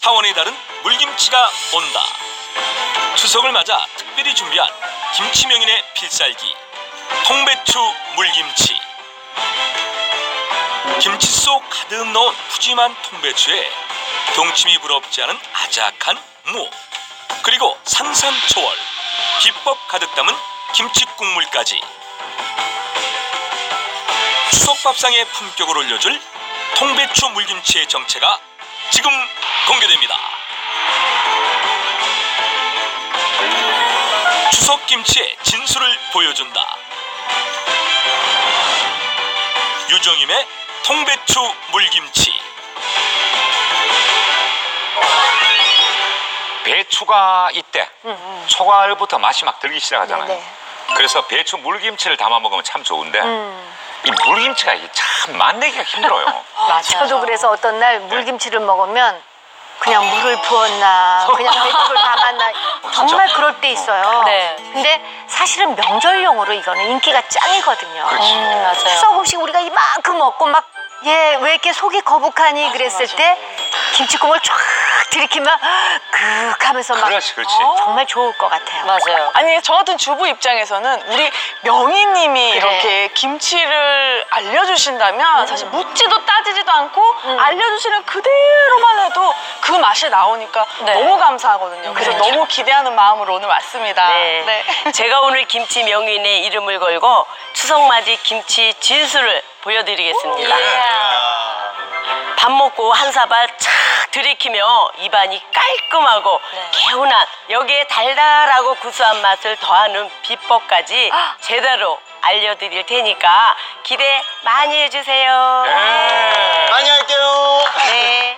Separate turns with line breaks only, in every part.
차원이 다른 물김치가 온다. 추석을 맞아 특별히 준비한 김치명인의 필살기 통배추 물김치. 김치 속 가득 넣은 푸짐한 통배추에 동치미 부럽지 않은 아작한 무, 그리고 산산초월, 비법 가득 담은 김치 국물까지 추석 밥상에 품격을 올려줄 통배추 물김치의 정체가 지금 공개됩니다. 추석 김치의 진수를 보여준다. 유정임의 통배추 물김치.
배추가 이때 초가을부터 맛이 막 들기 시작하잖아요.
네네.
그래서 배추 물김치를 담아 먹으면 참 좋은데 이 물김치가 참 만들기가 힘들어요.
저도 그래서 어떤 날 물김치를 먹으면 그냥 물을 부었나 그냥 배추를 담았나 정말 그럴 때 있어요.
네.
근데 사실은 명절용으로 이거는 인기가 짱이거든요.
맞아요.
추석 음식 우리가 이만큼 먹고 막 왜 이렇게 속이 거북하니 그랬을 때 김치국물 쫙 들이키면 그윽하면서 막
그렇지, 그렇지.
정말 좋을 것 같아요.
맞아요.
아니 저 같은 주부 입장에서는 우리 명희님이 이렇게 김치를 알려주신다면 사실 묻지도 따지지도 않고 알려주시는 그대로만 해도 그 맛이 나오니까
네.
너무 감사하거든요. 그래서 너무 기대하는 마음으로 오늘 왔습니다.
네. 제가 오늘 김치 명인의 이름을 걸고 추석맞이 김치 진수를 보여드리겠습니다. 밥 먹고 한 사발 착 들이키며 입안이 깔끔하고 개운한, 여기에 달달하고 구수한 맛을 더하는 비법까지 제대로 알려드릴 테니까 기대 많이 해주세요.
많이 할게요.
네.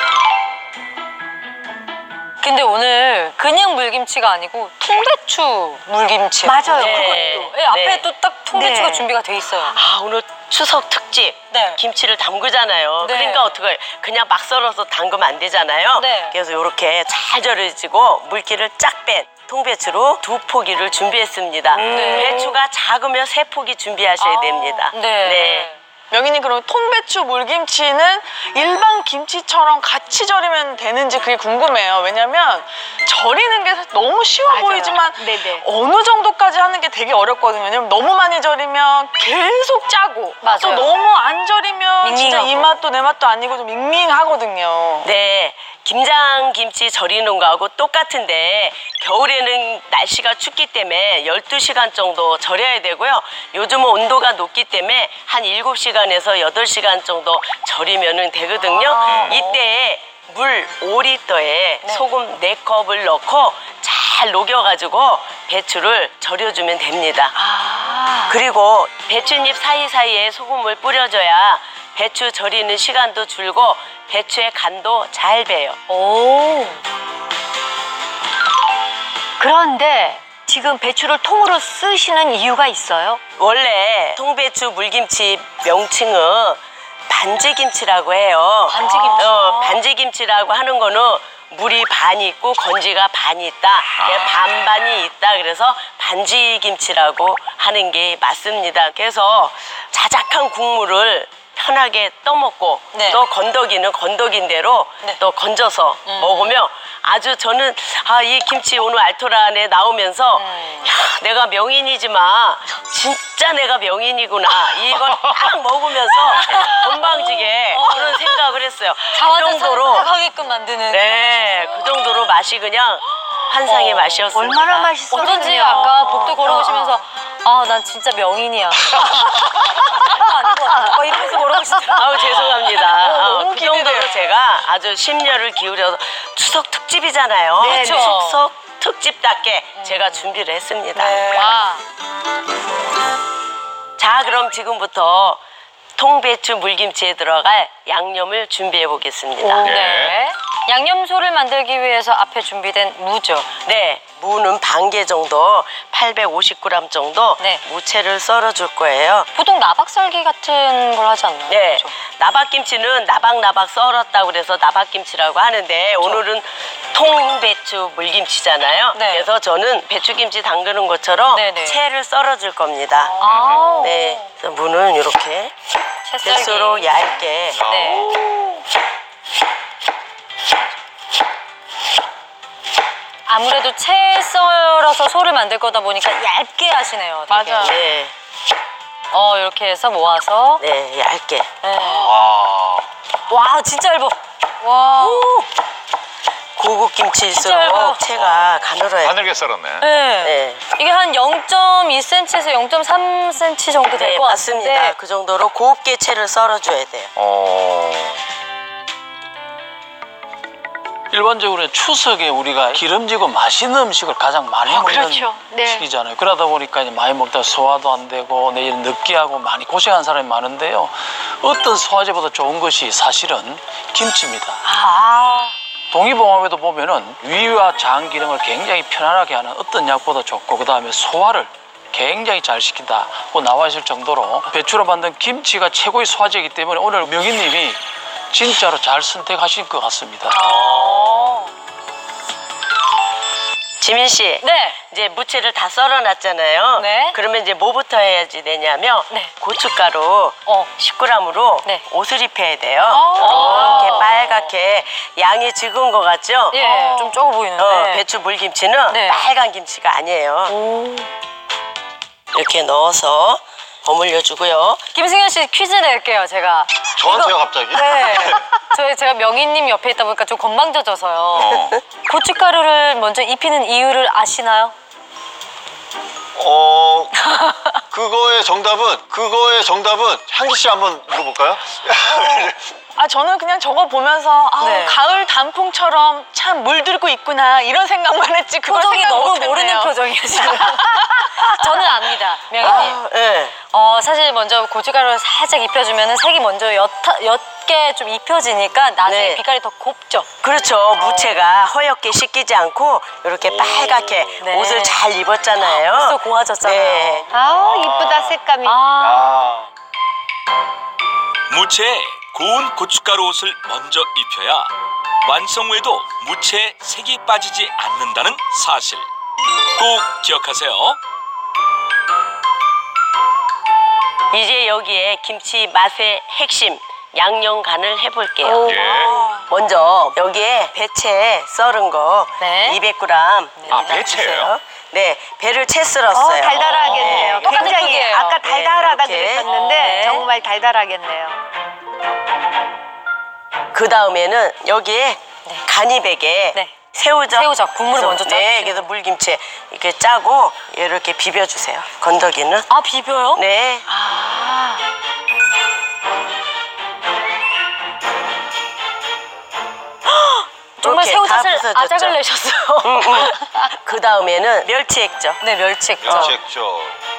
근데 오늘 그냥 물김치가 아니고 통배추 물김치.
맞아요.
네.
그것도.
네, 앞에
네.
또 딱 통배추가
네.
준비가 돼 있어요.
아, 오늘 추석 특집
네.
김치를 담그잖아요.
네.
그러니까 어떡해, 그냥 막 썰어서 담그면 안 되잖아요.
네.
그래서 이렇게 잘 절여지고 물기를 쫙 뺀 통배추로 2포기를 준비했습니다. 배추가 작으면 3포기 준비하셔야 됩니다.
네.
명희님 그럼 통배추 물김치는 일반 김치처럼 같이 절이면 되는지 그게 궁금해요. 왜냐면 절이는 게 너무 쉬워
맞아요.
보이지만
네네.
어느 정도까지 하는 게 되게 어렵거든요. 왜냐면 너무 많이 절이면 계속 짜고
맞아요.
또 너무 안 절이면 진짜
밍밍하고.
이 맛도 내 맛도 아니고 좀 밍밍하거든요.
네, 김장김치 절이는 거하고 똑같은데 겨울에는 날씨가 춥기 때문에 12시간 정도 절여야 되고요. 요즘은 온도가 높기 때문에 한 7시간에서 8시간 정도 절이면 되거든요. 이때 물 5리터에 소금 4컵을 넣고 잘 녹여가지고 배추를 절여주면 됩니다. 그리고 배추잎 사이사이에 소금을 뿌려줘야 배추 절이는 시간도 줄고 배추의 간도 잘 배요.
오.
그런데 지금 배추를 통으로 쓰시는 이유가 있어요?
원래 통배추 물김치 명칭은 반지김치라고 해요.
반지김치.
반지김치라고 하는 거는 물이 반이 있고 건지가 반이 있다. 반반이 있다. 그래서 반지김치라고 하는 게 맞습니다. 그래서 자작한 국물을 편하게 떠먹고
네.
또 건더기는 건더기인 대로
네.
또 건져서 먹으면 아주 저는 이 김치 오늘 알토란에 나오면서 야, 내가 명인이지만 진짜 내가 명인이구나 이걸 딱 먹으면서 건방지게 그런 생각을 했어요. 그 정도로
하게끔 만드는.
네, 그 정도로 맛이 그냥 환상의 맛이었습니다.
얼마나 맛있었어요.
어쩐지 아까 복도 걸어오시면서 난 진짜 명인이야. 아니고 이러면서 걸어오시더라고요.
아우 죄송합니다.
너무
그 정도로
기대돼요.
제가 아주 심려를 기울여서 추석 특집이잖아요.
네, 네.
추석 특집답게 제가 준비를 했습니다.
와.
자, 그럼 지금부터 통배추 물김치에 들어갈 양념을 준비해 보겠습니다.
네. 양념소를 만들기 위해서 앞에 준비된 무죠.
네, 무는 반 개 정도, 850g 정도
네.
무채를 썰어줄 거예요.
보통 나박썰기 같은 걸 하지 않나요?
네,
그렇죠?
나박김치는 나박나박 썰었다고 그래서 나박김치라고 하는데 오늘은 통배추 물김치잖아요.
네.
그래서 저는 배추김치 담그는 것처럼
네네.
채를 썰어줄 겁니다.
아우.
네, 그래서 무는 이렇게
채썰기.
배수로 얇게
네. 아무래도 채 썰어서 소를 만들 거다 보니까 얇게 하시네요. 되게.
맞아.
네,
이렇게 해서 모아서.
네, 얇게.
네.
와.
와, 진짜 얇아.
와.
고급
얇아요.
김치일수록 채가 가늘어요.
가늘게 썰었네.
네.
네,
이게 한 0.2cm에서 0.3cm 정도 될
네,
것
맞습니다.
같은데.
그 정도로 곱게 채를 썰어줘야 돼요.
일반적으로 추석에 우리가 기름지고 맛있는 음식을 가장 많이 먹는
그렇죠. 네.
시기잖아요. 그러다 보니까 이제 많이 먹다가 소화도 안 되고 내일 느끼하고 많이 고생하는 사람이 많은데요. 어떤 소화제보다 좋은 것이 사실은 김치입니다. 동의보감에도 보면은 위와 장 기능을 굉장히 편안하게 하는 어떤 약보다 좋고 그 다음에 소화를 굉장히 잘 시킨다고 나와 있을 정도로 배추로 만든 김치가 최고의 소화제이기 때문에 오늘 명희님이 진짜로 잘 선택하신 것 같습니다.
지민 씨,
네.
이제 무채를 다 썰어놨잖아요.
네.
그러면 이제 뭐부터 해야지 되냐면
네.
고춧가루 10g으로
네.
옷을 입혀야 돼요. 이렇게 빨갛게 양이 적은 거 같죠?
예, 좀 적어 보이는데.
배추 물김치는
네.
빨간 김치가 아니에요. 이렇게 넣어서 버무려 주고요.
김승현 씨 퀴즈 낼게요, 제가.
저한테요 갑자기?
네. 제가 명희님 옆에 있다 보니까 좀 건방져져서요. 고춧가루를 먼저 입히는 이유를 아시나요?
그거의 정답은 향기 씨 한번 물어볼까요?
저는 그냥 저거 보면서
네.
가을 단풍처럼 참 물들고 있구나 이런 생각만 했지 그걸
표정이
생각
너무
못했네요.
모르는 표정이에요, 지금. 저는 압니다, 명희님.
네.
사실 먼저 고춧가루를 살짝 입혀주면 색이 먼저 옅게 좀 입혀지니까 나중에
네.
빛깔이 더 곱죠.
그렇죠. 무채가 허옇게 씻기지 않고 이렇게 빨갛게
네.
옷을 잘 입었잖아요.
벌써 고와졌잖아요.
네.
아우 이쁘다 색감이.
무채에 고운 고춧가루 옷을 먼저 입혀야 완성 후에도 무채에 색이 빠지지 않는다는 사실 꼭 기억하세요.
이제 여기에 김치 맛의 핵심 양념 간을 해볼게요.
예.
먼저 여기에 배채 썰은 거
네.
200g.
아, 배채예요?
네, 배를 채 썰었어요.
달달하겠네요.
똑같은
굉장히
크기예요.
아까 달달하다
네, 이렇게.
그랬었는데
네.
정말 달달하겠네요.
그 다음에는 여기에 간이백에
네.
새우젓.
새우젓, 국물을 먼저
네,
짜주시고.
그래서 물김치 이렇게 짜고 이렇게 비벼주세요. 건더기는.
아, 비벼요?
네.
정말
이렇게 다
새우젓을
부서졌죠.
아작을 내셨어요.
그 다음에는 멸치 액젓.
네, 멸치액젓.
멸치액젓.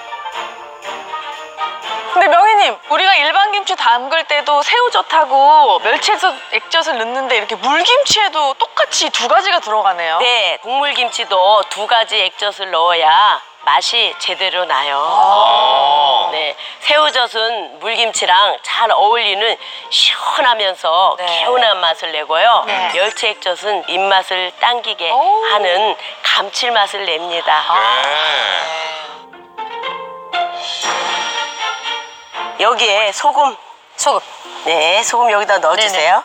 근데 명희님 우리가 일반 김치 담글 때도 새우젓하고 멸치 액젓을 넣는데 이렇게 물김치에도 똑같이 두 가지가 들어가네요.
네, 국물김치도 두 가지 액젓을 넣어야 맛이 제대로 나요. 네, 새우젓은 물김치랑 잘 어울리는 시원하면서
네.
개운한 맛을 내고요. 멸치 액젓은 입맛을 당기게 하는 감칠맛을 냅니다.
네.
여기에 소금.
소금.
네, 소금 여기다 넣어주세요.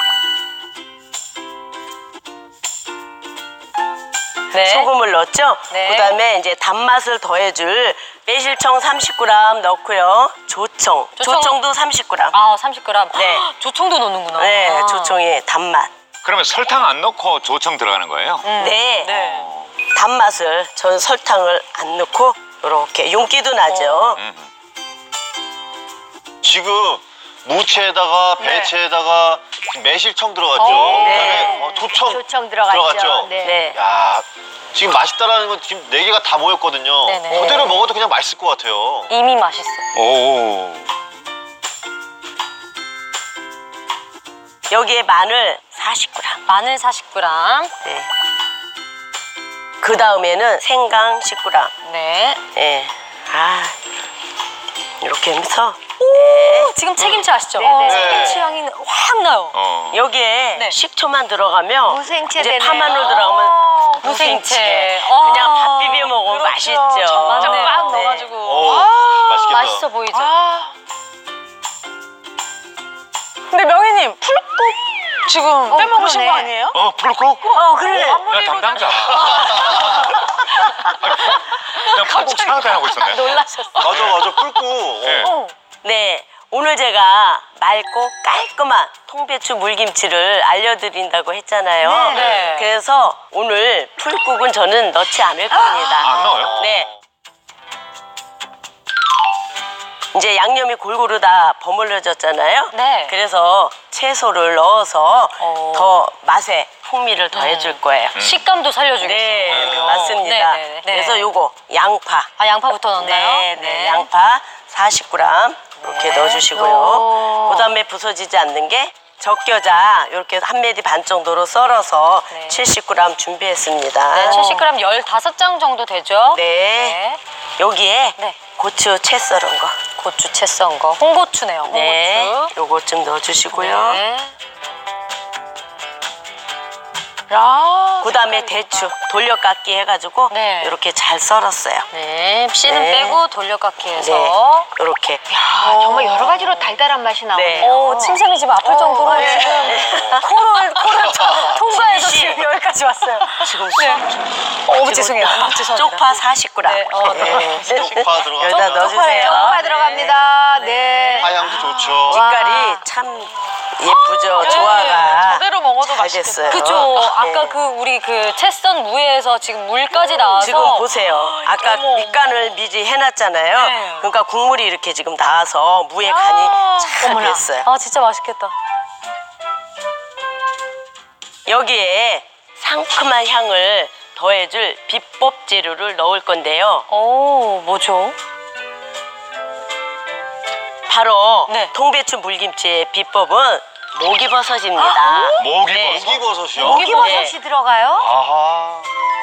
네.
소금을 넣었죠?
네.
그다음에 이제 단맛을 더해줄 매실청 30g 넣고요. 조청도 30g.
아, 30g.
네.
조청도 넣는구나.
네,
아.
조청의 단맛.
그러면 설탕 안 넣고 조청 들어가는 거예요?
네.
네.
단맛을 전 설탕을 안 넣고 이렇게 윤기도 나죠.
지금 무채에다가 배채에다가 매실청 들어갔죠.
네.
그다음에 조청,
조청 들어갔죠. 네.
네.
야, 지금 맛있다라는 건 지금 4개가 다 모였거든요.
네네.
그대로 먹어도 그냥 맛있을 것 같아요.
이미 맛있어.
오.
여기에 마늘 40g.
마늘 40g.
네. 그 다음에는 생강 10g.
네.
네. 이렇게 하면서
지금 채김치 아시죠?
네네.
채김치 향이 확 나요.
여기에
네.
식초만 들어가면
무생채
이제
되네요.
파마늘 들어가면 무생채. 그냥 밥 비벼 먹으면 맛있죠.
진짜
맞네.
빡
네.
넣어가지고.
오, 맛있겠다.
맛있어 보이죠?
근데 명희님 풀국 지금 빼먹으신
그러네.
거 아니에요?
풀국?
그러네.
나 담당자. 그냥 풀국 생각하고 있었네.
놀라셨어.
맞아 뿔고.
예.
네, 오늘 제가 맑고 깔끔한 통배추 물김치를 알려드린다고 했잖아요.
네.
그래서 오늘 풀국은 저는 넣지 않을 겁니다.
안 넣어요?
네. 이제 양념이 골고루 다 버무려졌잖아요.
네.
그래서 채소를 넣어서 더 맛에 풍미를 더해줄 거예요.
식감도 살려주겠어요.
네, 맞습니다.
네.
그래서 요거 양파.
아, 양파부터 넣나요?
네, 양파 40g 이렇게 넣어주시고요. 그다음에 부서지지 않는 게 적겨자 이렇게 한 메디 반 정도로 썰어서
네.
70g 준비했습니다.
네, 70g 15장 정도 되죠?
네. 여기에
네.
고추 채 썰은 거.
고추 채 썬 거. 홍고추네요. 홍고추.
네. 요거 좀 넣어주시고요.
네.
야.
그다음에 대추 돌려깎기 해가지고
네.
이렇게 잘 썰었어요.
네. 씨는
네.
빼고 돌려깎기 해서.
네. 이렇게.
정말 여러 가지로 달달한 맛이 나오네요.
네.
오, 침샘이 지금 아플 정도로 지금 코를 통과해서
지민 씨.
지금 여기까지 왔어요.
지금
죄송해요. 죄송합니다.
쪽파 40g.
네,
쪽파 들어가서
여기다 넣어주세요.
쪽파 들어갑니다. 네.
하향도 좋죠.
빛깔이 참 예쁘죠. 조화가
저대로 먹어도
잘
맛있겠다.
됐어요.
그죠. 아까
네.
그 우리 그 채썬 무에서 지금 물까지 나와서
지금 보세요. 아까 밑간을 미리 해놨잖아요.
네.
그러니까 국물이 이렇게 지금 나와서 무의 간이 잘
어머나.
됐어요.
아, 진짜 맛있겠다.
여기에 상큼한 향을 더해줄 비법 재료를 넣을 건데요.
오, 뭐죠?
바로
네.
통배추 물김치의 비법은 목이버섯입니다.
목이버섯?
목이버섯이요?
목이버섯이 들어가요?
아하.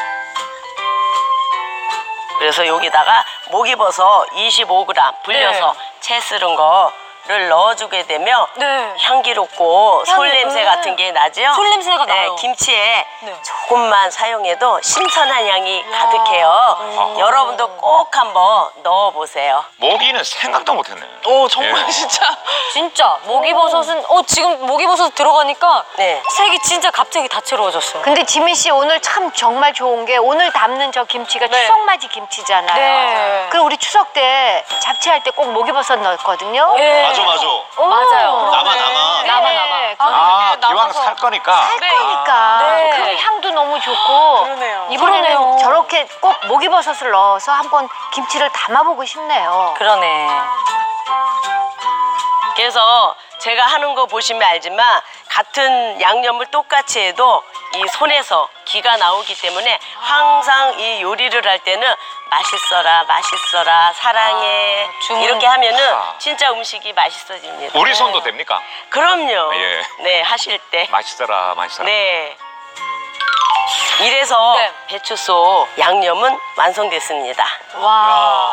그래서 여기다가 목이버섯 25g 불려서 채 썰은 거를 넣어주게 되면
네.
향기롭고 솔
향이,
냄새 같은 게 나죠?
솔 냄새가
네,
나요.
김치에
네.
조금만 사용해도 신선한 향이 가득해요. 여러분도 꼭 한번 넣어보세요.
모기는 생각도 못했네.
오, 정말
예.
진짜.
진짜 목이버섯은 지금 목이버섯 들어가니까
네.
색이 진짜 갑자기 다채로워졌어요.
근데 지민 씨 오늘 참 정말 좋은 게 오늘 담는 저 김치가
네.
추석맞이 김치잖아요.
네.
그리고 우리 추석 때 잡채할 때 꼭 목이버섯 넣었거든요.
예.
맞아.
맞아요.
남아.
네.
아,
이게
기왕
남아서-
살 거니까.
네.
그러니까
네.
그 향도 너무 좋고
그러네요.
이번에는
그러네요.
저렇게 꼭 목이버섯을 넣어서 한번 김치를 담아보고 싶네요.
그러네.
그래서 제가 하는 거 보시면 알지만 같은 양념을 똑같이 해도 이 손에서 기가 나오기 때문에 항상 이 요리를 할 때는 맛있어라 사랑해
주문.
이렇게 하면은
아.
진짜 음식이 맛있어집니다.
우리 손도 됩니까?
그럼요.
예.
네, 하실 때.
맛있어라.
네. 이래서
네.
배추소 양념은 완성됐습니다.
와.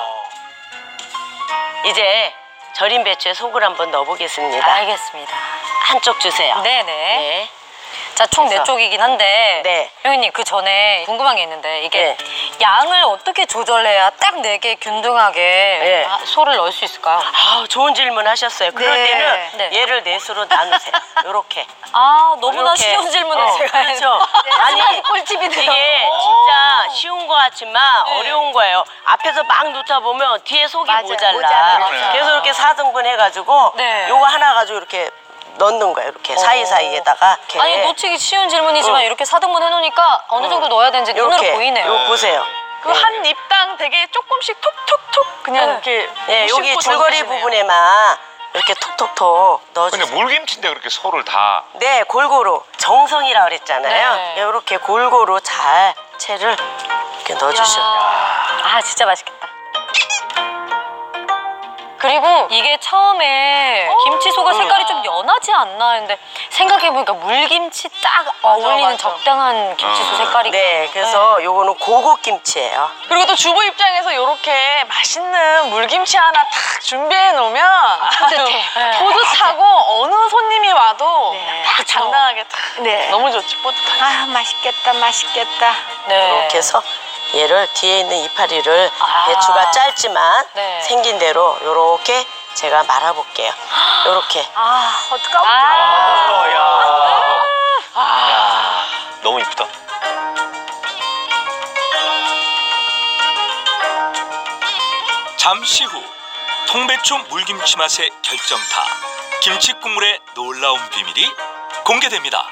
이제 절인 배추에 속을 한번 넣어보겠습니다.
알겠습니다.
한쪽 주세요.
네네.
네.
자, 총
그래서-
4쪽이긴 한데.
네.
형님, 그 전에 궁금한 게 있는데, 이게
네.
양을 어떻게 조절해야 딱 4개 균등하게
네.
소를 넣을 수 있을까요?
아, 좋은 질문 하셨어요. 그럴
네.
때는
네.
얘를 넷으로 나누세요. 요렇게.
아, 너무나
이렇게.
쉬운 질문을 제가
그렇죠.
아니, 꿀팁이네요.
이게 진짜 쉬운 것 같지만
네.
어려운 거예요. 앞에서 막 넣다 보면 뒤에 속이
맞아요.
모자라.
모자라요.
그래서 이렇게 4등분 해가지고
네.
요거 하나 가지고 이렇게 넣는 거예요. 이렇게 사이사이에다가. 이렇게.
아니, 놓치기 쉬운 질문이지만
어.
이렇게 4등분 해놓으니까 어느 정도 넣어야 되는지 눈으로
요렇게.
보이네요.
요거 보세요.
그 한 입당 되게 조금씩 톡톡톡 그냥
네.
이렇게.
네, 여기
씹고
줄거리
던지시네요.
부분에만 이렇게 톡톡톡
근데
넣어주세요.
물김치인데 그렇게 소를 다.
네, 골고루 정성이라 그랬잖아요.
네.
이렇게 골고루 잘 채를 이렇게 넣어주셔.
아, 진짜 맛있겠다. 그리고 이게 처음에 김치소가 색깔이 좀 연하지 않나 했는데 생각해보니까 물김치 딱 어울리는
맞아.
적당한 김치소 색깔이.
네, 그래서 요거는 고급 김치예요.
그리고 또 주부 입장에서 이렇게 맛있는 물김치 하나 탁 준비해 놓으면
뿌듯해.
뿌듯하고 어느 손님이 와도
네.
딱
그쵸.
당당하게 탁
네.
너무 좋지 뿌듯하게.
아 맛있겠다.
네.
이렇게 해서 얘를 뒤에 있는 이파리를
아.
배추가 짧지만
네.
생긴 대로 요렇게 제가 말아볼게요. 요렇게.
아, 어떡하면
너무 이쁘다.
잠시 후 통배추 물김치 맛의 결정타 김치 국물의 놀라운 비밀이 공개됩니다.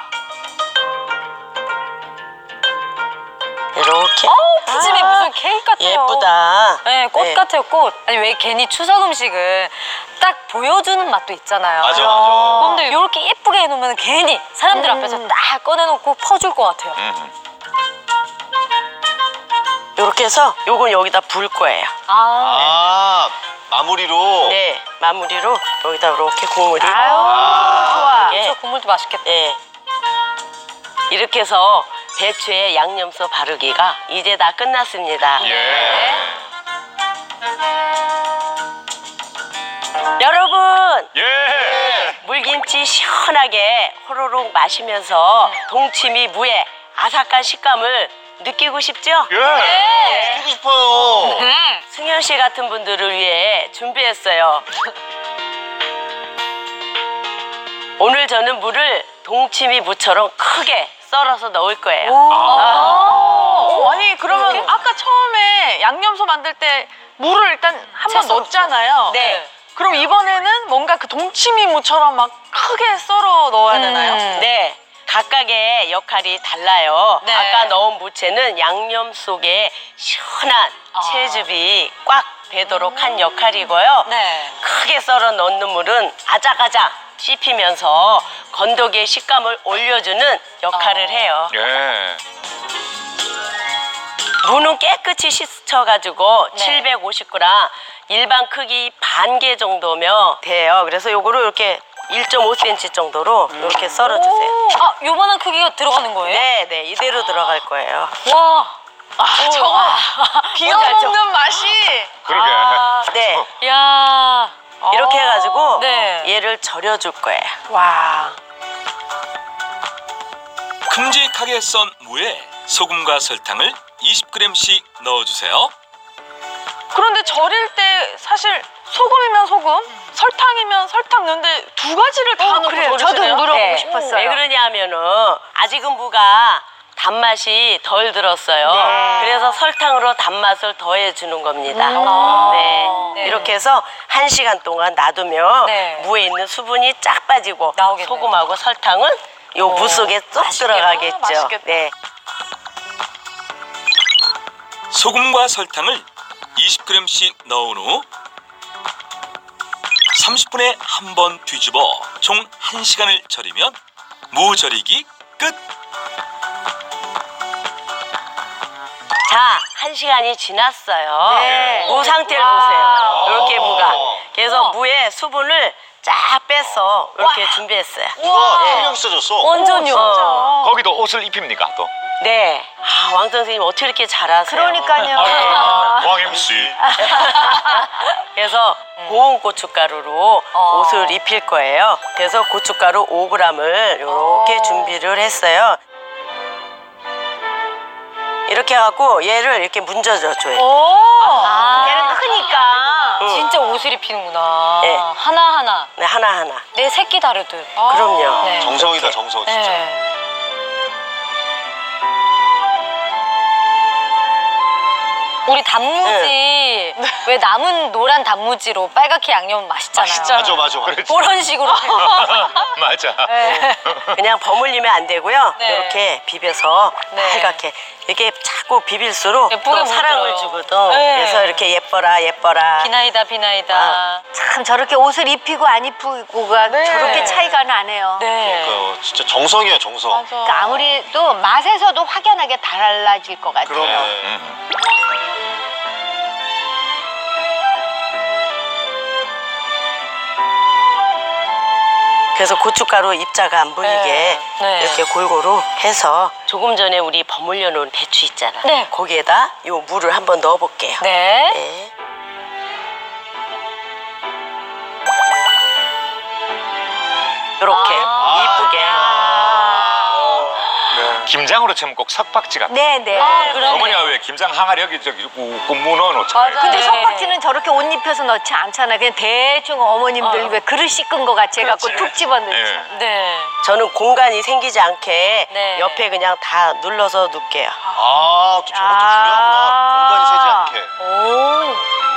이렇게.
푸짐해 무슨 케이크 같아요.
예쁘다.
네, 꽃
네.
같아요, 꽃. 아니, 왜 괜히 추석 음식은 딱 보여주는 맛도 있잖아요.
맞아, 맞아.
근데 이렇게 예쁘게 해놓으면 괜히 사람들 앞에서 딱 꺼내놓고 퍼줄 것 같아요.
요렇게 해서 요건 여기다 불 거예요.
아, 마무리로.
네, 마무리로 여기다 이렇게 국물이.
좋아.
예.
저 국물도 맛있겠다.
네. 이렇게 해서 배추에 양념소 바르기가 이제 다 끝났습니다.
예.
여러분,
예.
물김치 시원하게 호로록 마시면서 동치미 무의 아삭한 식감을 느끼고 싶죠?
예.
하고 싶어요.
승현 씨 같은 분들을 위해 준비했어요. 오늘 저는 물을 동치미 무처럼 크게 썰어서 넣을 거예요.
아니 그러면 아까 처음에 양념소 만들 때 물을 일단 한 번 넣었잖아요.
네.
그럼 이번에는 뭔가 그 동치미무처럼 막 크게 썰어 넣어야 되나요?
네. 각각의 역할이 달라요.
네.
아까 넣은 무채는 양념 속에 시원한 채즙이 꽉 배도록 한 역할이고요.
네.
크게 썰어 넣는 물은 아작아작 씹히면서 건더기의 식감을 올려주는 역할을 해요.
예.
무는 깨끗이 씻어가지고
네.
750g 일반 크기 반 개 정도면 돼요. 그래서 요거를 이렇게 1.5cm 정도로 이렇게 썰어주세요.
아, 요만한 크기가 들어가는 거예요?
네, 네, 이대로 들어갈 거예요.
와.
저거 비워먹는 맛이.
그러게.
네,
야.
이렇게 해가지고
네.
얘를 절여줄 거예요.
와.
큼직하게 썬 무에 소금과 설탕을 20g씩 넣어주세요.
그런데 절일 때 사실 소금이면 소금, 설탕이면 설탕 넣는데 두 가지를 다 넣고
그래요.
절이시네요.
저도 물어보고
네.
싶었어요.
왜 그러냐 하면은 아직은 무가 단맛이 덜 들었어요.
네.
그래서 설탕으로 단맛을 더해주는 겁니다. 네.
네.
이렇게 해서 1시간 동안 놔두면
네.
무에 있는 수분이 쫙 빠지고
나오겠네요.
소금하고 설탕은 요 무 속에 쏙 들어가겠죠.
맛있겠다.
네.
소금과 설탕을 20g씩 넣은 후 30분에 한 번 뒤집어 총 1시간을 절이면 무 절이기 끝!
자, 1시간이 지났어요.
네.
무 상태를 보세요. 이렇게 무가. 그래서 무의 수분을 쫙 빼서 이렇게 준비했어요.
누가 신경 써줬어?
완전요.
거기도 옷을 입힙니까 또?
네. 아, 왕 선생님 어떻게 이렇게 잘하세요?
그러니까요.
왕 MC.
그래서 고운 고춧가루로 옷을 입힐 거예요. 그래서 고춧가루 5g을 이렇게 준비를 했어요. 이렇게 해갖고 얘를 이렇게 문져줘요.
얘는 크니까.
진짜 옷을 입히는구나.
네.
하나하나.
네, 하나하나.
내 새끼 다르듯.
그럼요.
네.
정성이다, 정성, 진짜.
네. 우리 단무지 왜 남은 노란 단무지로 빨갛게 양념 맛있잖아요.
맞아, 맞아, 맞아.
그런 식으로.
맞아.
그냥 버물리면 안 되고요.
네.
이렇게 비벼서
네.
빨갛게. 이렇게 자꾸 비빌수록
예쁘게
또 사랑을
물들어요.
주거든.
네.
그래서 이렇게 예뻐라, 예뻐라.
비나이다 비나이다.
참 저렇게 옷을 입히고 안 입히고가 저렇게 차이가 나네요.
네.
그러니까 진짜 정성이에요, 정성.
그러니까 아무래도 맛에서도 확연하게 달라질 것 같아요.
네.
그래서 고춧가루 입자가 안 보이게
네.
이렇게 골고루 해서 조금 전에 우리 버물려 놓은 배추 있잖아.
네.
거기에다 요 물을 한번 넣어 볼게요.
네.
네. 이렇게 이쁘게
김장으로 치면 꼭 석박지 같아.
네네.
어머니가 왜 김장 항아리 여기 저기 꾹꾹 문어 놓잖아요.
근데
네.
석박지는 저렇게 옷 입혀서 넣지 않잖아요. 그냥 대충 어머님들 왜 그릇 씻은 거 같이 해갖고 툭 집어넣지.
예.
네.
저는 공간이 생기지 않게
네.
옆에 그냥 다 눌러서 놓을게요.
아, 또 저것도 중요하구나. 공간이 새지 않게.
오.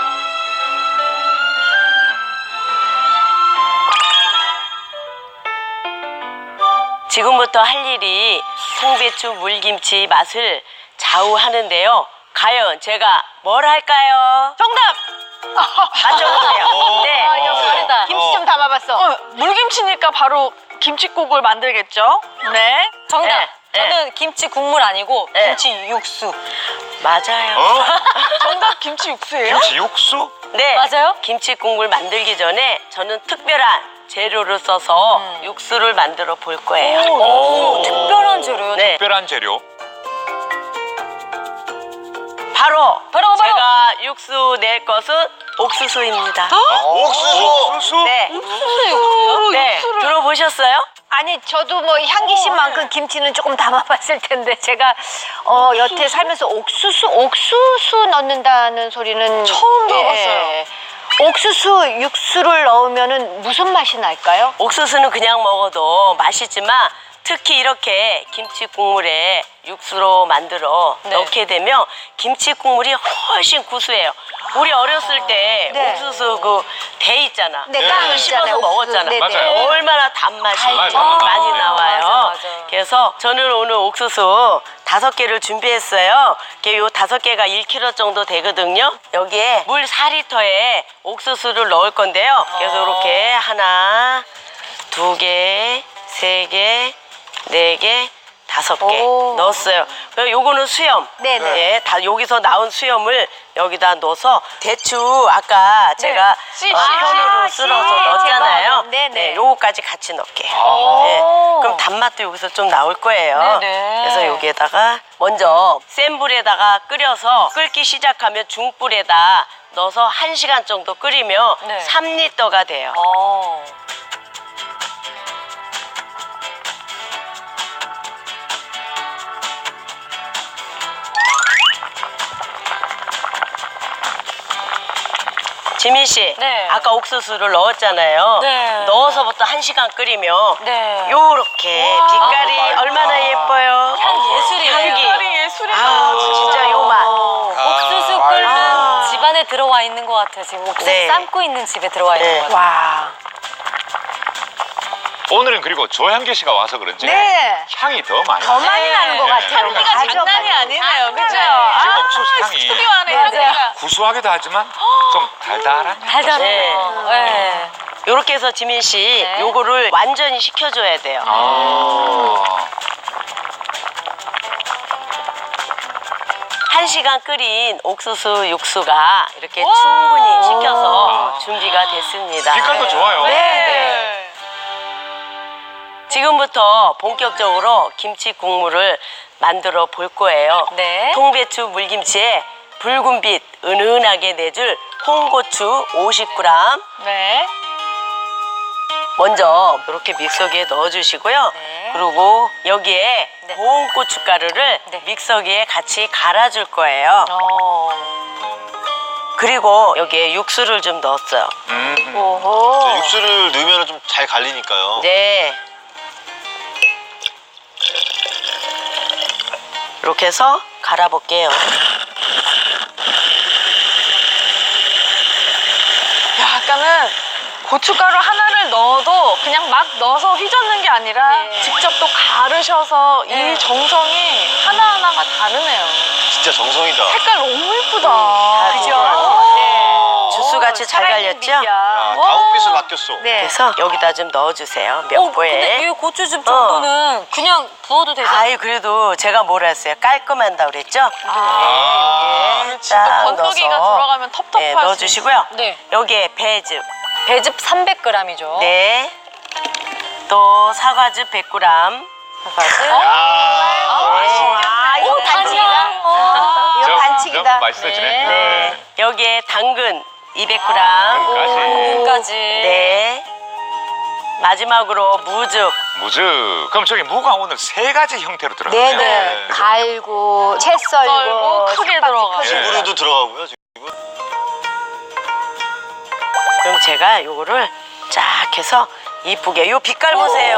지금부터 할 일이 통배추 물김치 맛을 좌우하는데요. 과연 제가 뭘 할까요?
정답!
맞춰보세요. 네.
역할이다.
김치 좀 담아봤어.
물김치니까 바로 김치국을 만들겠죠? 네.
정답.
네.
저는 김치 국물 아니고
네.
김치 육수.
맞아요.
어?
정답 김치 육수예요?
김치 육수?
네.
맞아요?
김치 국물 만들기 전에 저는 특별한 재료를 써서 육수를 만들어 볼 거예요.
오, 특별한 재료요.
네.
특별한 재료.
바로
바로.
제가 육수 낼 것은 옥수수입니다.
옥수수.
네. 네. 들어보셨어요?
아니 저도 뭐 향기심만큼 김치는 조금 담아봤을 텐데 제가 여태 살면서 옥수수 넣는다는 소리는
처음 들어봤어요.
옥수수 육수를 넣으면은 무슨 맛이 날까요?
옥수수는 그냥 먹어도 맛있지만 특히 이렇게 김치 국물에 육수로 만들어
네.
넣게 되면 김치 국물이 훨씬 구수해요. 우리 어렸을 때
네.
옥수수 그 대 있잖아.
네,
그거
깡
씹어서
있잖아요,
먹었잖아.
옥수수.
네네. 맞아요.
얼마나 단맛이
맞아.
많이 나와요.
맞아.
그래서 저는 오늘 옥수수 5개를 준비했어요. 요 5개가 1kg 정도 되거든요. 여기에 물 4리터에 옥수수를 넣을 건데요. 그래서 이렇게 하나, 2개, 3개, 4개, 5개
오.
넣었어요. 그리고 요거는 수염.
네네.
예, 다 여기서 나온 수염을 여기다 넣어서 대추 아까 제가
씨,
현으로
씨.
쓸어서
제가
넣었잖아요.
네네.
네, 요거까지 같이 넣을게요. 네, 그럼 단맛도 여기서 좀 나올 거예요.
네네.
그래서 여기에다가 먼저 센 불에다가 끓여서 끓기 시작하면 중불에다 넣어서 1시간 정도 끓이면
네.
3리터가 돼요.
어.
지민 씨,
네.
아까 옥수수를 넣었잖아요.
네.
넣어서부터 1시간 끓이면
네.
요렇게 빛깔이 얼마나 예뻐요.
예술이에요.
향기.
색깔이 예술이다.
아, 진짜 요 맛.
옥수수 끓는 집안에 들어와 있는 것 같아요. 지금 옥수수
네.
삶고 있는 집에 들어와 있는
네.
것 같아요.
와.
오늘은 그리고 조향기 씨가 와서 그런지
네.
향이 더 많이
더
나요.
많이 나는 것 같아요.
향기가
맞아,
장난이
맞아.
아니네요. 그죠?
지금 옥수수 향이
스튜디오 안에
맞아요.
향기가.
구수하기도 하지만 좀 달달한 향.
달달해요. 네.
요렇게 해서 지민 씨,
네.
요거를 완전히 식혀줘야 돼요.
아.
1시간 끓인 옥수수 육수가 이렇게 충분히 식혀서 준비가 됐습니다.
빛깔도 좋아요.
네.
지금부터 본격적으로 김치 국물을 만들어 볼 거예요.
네.
통배추 물김치에 붉은빛 은은하게 내줄 홍고추 50g.
네.
먼저 이렇게 믹서기에 넣어주시고요.
네.
그리고 여기에
네.
고운 고춧가루를
네.
믹서기에 같이 갈아줄 거예요.
어.
그리고 여기에 육수를 좀 넣었어요.
저 육수를 넣으면 좀 잘 갈리니까요.
네. 이렇게 해서 갈아볼게요.
약간은 고춧가루 하나를 넣어도 그냥 막 넣어서 휘젓는 게 아니라
네.
직접 또 가르셔서
네.
이 정성이 하나하나가 다르네요.
진짜 정성이다.
색깔 너무 예쁘다.
그죠?
주스같이 잘 갈렸죠?
야, 다홍빛을 바뀌었어.
네.
그래서 여기다 좀 넣어주세요. 몇
근데
포에.
이 고추즙 정도는 그냥 부어도 되잖아요.
아이 그래도 제가 뭐라 했어요? 깔끔한다 그랬죠?
진짜
딱
건더기가
넣어서
들어가면 텁텁할
네,
수
넣어주시고요.
네.
여기에 배즙.
배즙 300g이죠.
네. 또 사과즙 100g. 사과즙.
아, 이거 반칙이다. 이거 반칙이다.
맛있어지네.
네. 여기에 당근 200g.
까지.
까지.
네. 마지막으로 무즙
무즈. 그럼 저기 무가 오늘 세 가지 형태로 들어가네요.
네네. 갈고, 채 썰고,
썰고, 크게 들어가고.
크게
지구류도 들어가고요, 지금.
그럼 제가 요거를 쫙 해서 이쁘게 요 빛깔 보세요.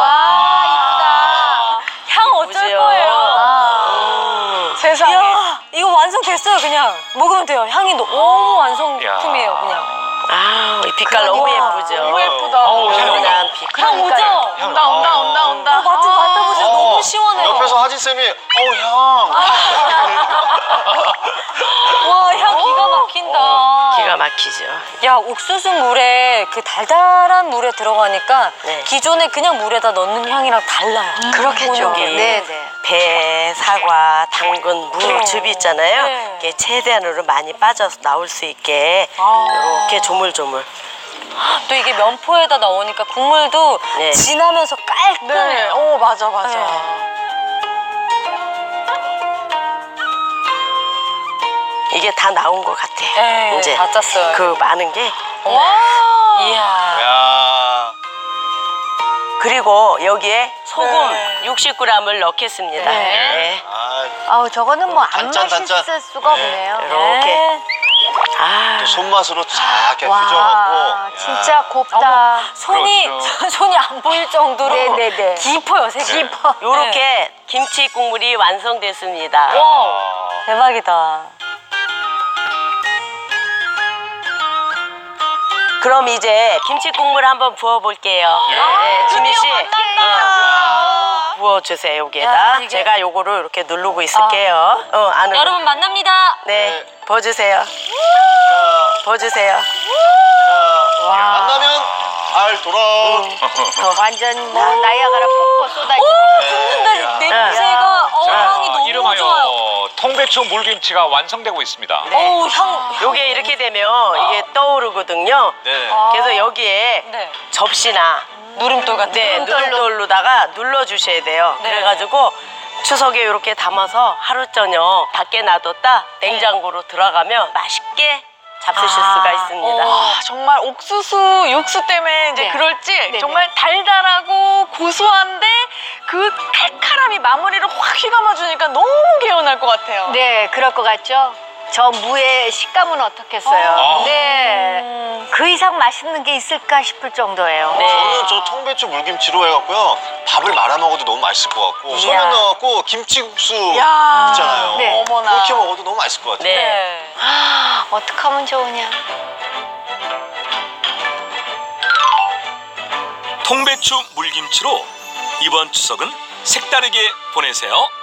와,
향 어쩔
보세요.
거예요?
세상에.
이야, 이거 완성됐어요, 그냥. 먹으면 돼요. 향이 너무 완성품이에요, 그냥.
아, 이 빛깔 너무 예쁘죠.
너무 예쁘다.
은은한 빛깔.
향 오죠?
온다.
맡아보세요. 너무 시원해요.
옆에서 하진쌤이, 향.
와, 향 기가 막힌다.
기가 막히죠.
야, 옥수수 물에 그 달달한 물에 들어가니까
네.
기존에 그냥 물에다 넣는 향이랑 달라요.
그렇겠죠.
오는 게.
네네.
배, 사과, 당근, 무, 즙 있잖아요.
네.
이게 최대한으로 많이 빠져서 나올 수 있게 이렇게 조물조물.
또 이게 면포에다 넣으니까 국물도
네.
진하면서 깔끔해요.
네. 맞아.
네.
이게 다 나온 것 같아.
네,
이제
다 짰어요.
그 많은 게.
이야.
야.
그리고 여기에 소금
네.
60g을 넣겠습니다. 네.
아우, 저거는 뭐 안
단짠, 단짠.
맛있을 수가 없네요.
이렇게. 아,
또 손맛으로 쫙 이렇게
와,
휘저어갖고.
진짜 곱다.
손이
그렇죠.
손이 안 보일 정도로
네네네.
깊어요, 색이. 깊어.
요렇게 김치 국물이 완성됐습니다.
대박이다.
그럼 이제 김치 국물 한번 부어볼게요. 네, 지민 씨. 부어주세요, 여기에다.
야, 이게-
제가 요거를 이렇게 누르고 있을게요. 안으로.
여러분 만납니다.
네, 부어주세요. 부어주세요.
만나면 알 돌아.
완전 뭐 나이아가라 폭포 쏟아지고.
근데 냄새가 향이 너무
이름하여
좋아요.
통배추 물김치가 완성되고 있습니다.
어우, 향.
요게 이렇게 되면 이게 떠오르거든요.
네.
그래서 여기에
네.
접시나
누름돌 같은
네,
누름돌로.
누름돌로다가 눌러주셔야 돼요.
네.
그래가지고 추석에 이렇게 담아서 하루 저녁 밖에 놔뒀다 냉장고로 들어가면 맛있게 잡수실 수가 있습니다.
정말 옥수수 육수 때문에 이제
네.
그럴지 정말 달달하고 고소한데 그 칼칼함이 마무리를 확 휘감아주니까 너무 개운할 것 같아요.
네, 그럴 것 같죠? 저 무의 식감은 어떻겠어요? 네. 그 이상 맛있는 게 있을까 싶을 정도예요.
네.
저는 저 통배추 물김치로 해갖고요. 밥을 말아 먹어도 너무 맛있을 것 같고, 소면 넣어갖고 김치국수
야.
있잖아요.
네.
어머나.
그렇게 먹어도 너무 맛있을 것 같아요.
네.
네.
어떡하면 좋으냐.
통배추 물김치로 이번 추석은 색다르게 보내세요.